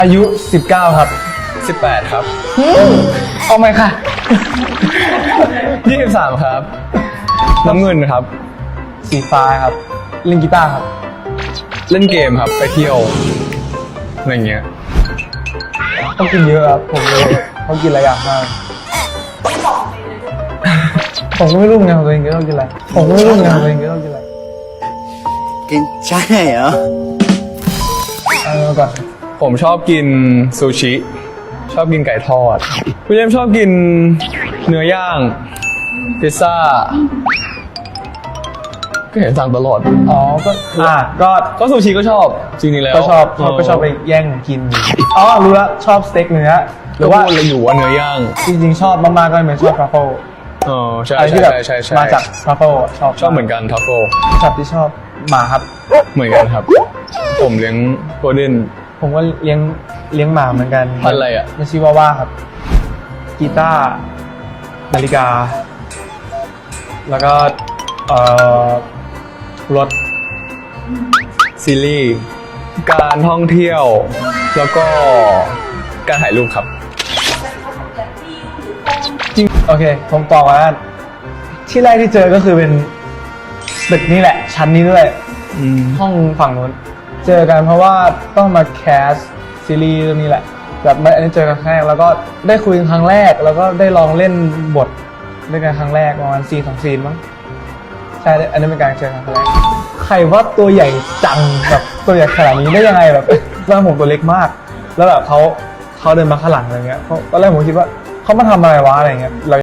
อายุ19ครับ 18ครับเอาไหมค่ะ 23ครับน้ำเงินครับสีฟ้าครับเล่นกีตาร์ครับเล่นเกมครับไปเที่ยวอะไรเงี้ยต้องกินเยอะครับผมเลยเขากินหลายอย่างมากผมก็ไม่รู้ไงของตัวเองก็ต้องกินอะไรผมก็ไม่รู้ไงของตัวเองก็ต้องกินอะไรกินใช่เหรอก่อนผมชอบกินซูชิชอบกินไก่ทอดพี่เจมส์ชอบกินเนื้อย่างพิซซ่าก็เห็นสั่งตลอดอ๋อก็ซูชิก็ชอบจริงๆแล้วก็ชอบไปแย่งกินอ๋อรู้แล้วชอบสเต็กเนื้อหรือว่าอะไรอยู่ว่าเนื้อย่างจริงๆชอบมากๆก็เป็นชอบทรัฟเฟิลใช่ใช่มาจากทรัฟเฟิลชอบเหมือนกันทรัฟเฟิลสัตว์ที่ชอบหมาครับเหมือนกันครับผมเลี้ยงโกลเด้นผมก็เลี้ยงหมาเหมือนกันพันอะไรอ่ะมันชื่อว่าครับกีตาร์นาฬิกาแล้วก็รถซีรีส์การท่องเที่ยวแล้วก็การถ่ายรูปครับจริงโอเคผมตอบว่าที่แรกที่เจอก็คือเป็นตึกนี้แหละชั้นนี้ด้วยห้องฝั่งนู้นเจอกันเพราะว่าต้องมาแคสซีรีส์เรื่องนี้แหละแบบอันนี้เจอกันครั้งแรกแล้วก็ได้คุยกันครั้งแรกแล้วก็ได้ลองเล่นบทด้วยกันครั้งแรกประมาณ2 ซีนมั้งใช่อันนี้เป็นการเจอกันครั้งแรกใครว่าตัวใหญ่จังแบบตัวใหญ่ขนาดนี้ได้ยังไงแบบตอนผมตัวเล็กมากแล้วแบบเขาเดินมาข้างหลังอะไรเงี้ยตอนแรกผมคิดว่าเขามาทำอะไรวะอะไรเงี้ย